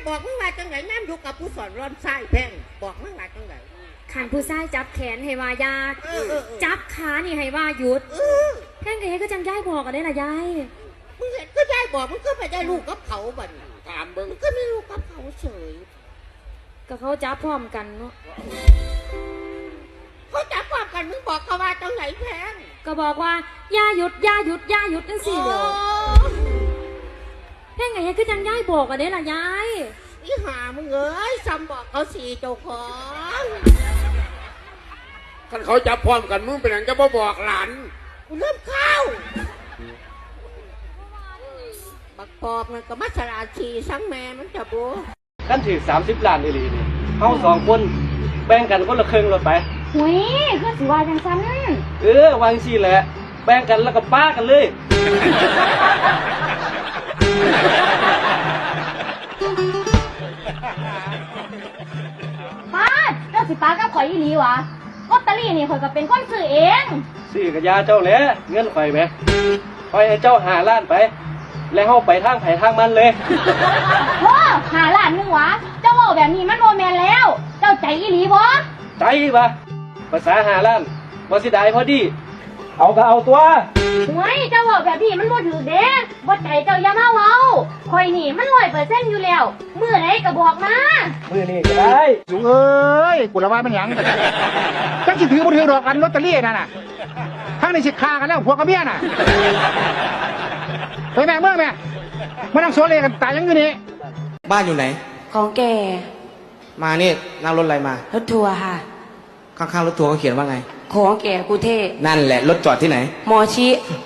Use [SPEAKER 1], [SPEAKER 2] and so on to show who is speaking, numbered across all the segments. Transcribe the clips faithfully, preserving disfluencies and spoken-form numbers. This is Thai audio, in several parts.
[SPEAKER 1] บอกมึงว่าจังไหนน้ำอยู่กับผู้สอนร้อนไส้แพงบอกมึงว่าจังไหน
[SPEAKER 2] ขันผู้ชายจับแขนให้ว่ายาจับขานี่ให้ว่าหยุดแพงเอ๋ก็จังย้ายบอกกันได้ละยาย
[SPEAKER 1] มึงเห็นก็ได้บอกมึงก็ไปได้ลูกกับเขาบ่นถามมึงก็ไม่ลูกกับเขาเฉย
[SPEAKER 2] ก็เขาจับพร้อมกันเนาะ
[SPEAKER 1] เขาจับพร้อมกันมึงบอกเขาว่าจังไหนแพง
[SPEAKER 2] ก็บอกว่าย่าหยุดย่าหยุดย่าหยุดนั่นสิเดียวแพงเอ๋ก็จังย้ายบอกกันได้ละยาย
[SPEAKER 1] อีหามึงเอ้ยซ้ำบอกเขาสี่เจ้าของ
[SPEAKER 3] คันเขาจับพร้อมกันมึงเป็นอย่างจะบ่บอกหลาน
[SPEAKER 1] กูเริ่มเข้าบักปอบมันก็มัสลาชีสังแม่มันจะบู
[SPEAKER 4] กันถือสามสิบล้านอีหลีนี่เขาสองคนแบ่งกันคนละครึ่งรถไป
[SPEAKER 2] หุยคือสิว่าจังซั้น
[SPEAKER 4] เออวางสิแหละแบ่งกันแล้วก็ป้ากันเลย
[SPEAKER 2] ป้าเจ้าสิป้ากับข่อยอีหลีวะลอตเตอรี่นี่ข่อยก็เป็นคนซื้อเอง
[SPEAKER 4] ซื้อกับยาเจ้าแหละเงินข่อยไหมข่อยให้เจ้าหาล้านไปแล้วเข้าไปทางไผ่ทางมันเลย
[SPEAKER 2] โอ้หาล้านนึงวะเจ้าบอกแบบนี้มันโมแมนแล้วเจ้าใจอีหลีบ่
[SPEAKER 4] ใจปะภาษาหาล้านบ่สิได้พอดีเอาก็เอาตัว
[SPEAKER 2] เฮ้ยเจ้าบอกแบบนี้มันบ่ถือเด้บ่ใจเจ้าอย่ามาเว้าข่อยนี่มันร้อยเปอร์เซ็นต์อยู่แล้วมื้อไหนก็บอกมา
[SPEAKER 4] มื้อนี้ก็ได้
[SPEAKER 5] สูงเอ้ยกูละว่ามันหยังจังสิถือบ่ถือดอกกันลอตเตอรี่นั่นน่ะทั้งในสิฆ่ากันแล้วผัวกับเมียน่ะไปแม่เมื่อแม่มานั่งโซเลกันตายยังอยู่นี่
[SPEAKER 6] บ้านอยู่ไหน
[SPEAKER 7] ของแก
[SPEAKER 6] มานี่นั่งรถอะไรมาร
[SPEAKER 7] ถทัวร์ค่ะ
[SPEAKER 6] ข้างๆรถทัวร์เขาเขียนว่าไง
[SPEAKER 7] ของแกกูเท
[SPEAKER 6] นั่นแหละรถจอดที่ไหน
[SPEAKER 7] หมอชิ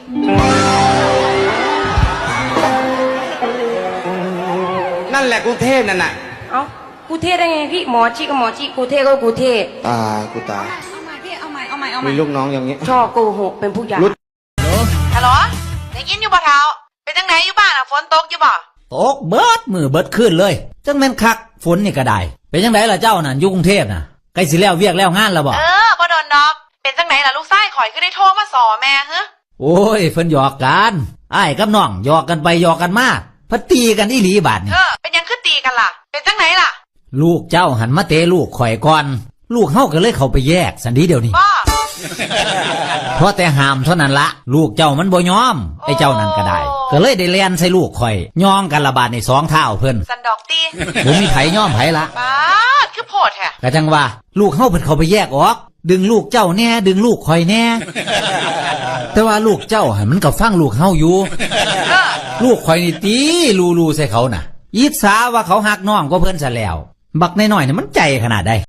[SPEAKER 6] นั่นแหละกรุงเทพนั่นน่ะ
[SPEAKER 7] เอ้ากูเทได้ไงพี่หมอชิกับหมอชิกูเทก็กูเท
[SPEAKER 6] ตายกูตาย
[SPEAKER 7] เอาใหม่พี่เอาใหม่เอาใหม่เอาใหม่
[SPEAKER 6] มีลูกน้องอย่างนี้
[SPEAKER 7] ชอบโกหกเป็นผู้ใหญ่
[SPEAKER 8] ฮัลโหลได้ยินอยู่บ่เท้าเป็นจังไหนอยู่บ้านอ่ะฝนตกอยู่บ่
[SPEAKER 9] ตกเบิดมือเบิดขึ้นเลยจังแม่นคักฝนนี่ก็ได้เป็นจังไดล่ะเจ้าน่ะอยู่กรุงเทพน่ะใกล้สิแล้วเวียกแล้วงานแล้วบ่
[SPEAKER 8] เออบ่โดนดอกเป็นจังไหนล่ะลูกชายข่อยคือได้โทรมาสอแม่ฮะ
[SPEAKER 9] โอ้ยเพิ่นหยอกกันอ้ายกับน้องหยอกกันไปหยอกกันมาเพิ่นตีกันอีหลีบาดนี่
[SPEAKER 8] เออเป็นยังคือตีกันล่ะเป็นจังไหนล่ะ
[SPEAKER 9] ลูกเจ้าหันมาเตะลูกข่อยก่อนลูกเฮาก็เลยเข้าไปแยกสันดีเดี๋ยวนี้เพราะแต่ห้ามเท่านั้นละลูกเจ้ามันบ่ยอมไอ้เจ้านั่นก็ได้ก็เลยได้เลียนใส่ลูกข่อยย่องกันละบาดในสองเท้าเพิ่น
[SPEAKER 8] สันดอกตี
[SPEAKER 9] บ่มีไผย่อมไผละ
[SPEAKER 8] ป้าคือโพดแท้
[SPEAKER 9] ก็จังว่าลูกเฮาเพิ่นเข้าไปแยกออกดึงลูกเจ้าแน่ดึงลูกข่อยแน่แต่ว่าลูกเจ้าหันมันก็ฟังลูกเฮาอยู่ลูกข่อยนี่ตีลูๆใส่เขาน่ะยิดสาว่าเขาหักน้องก็เพิ่นซะแล้วบักน้อยๆนี่มันใจขนาดใด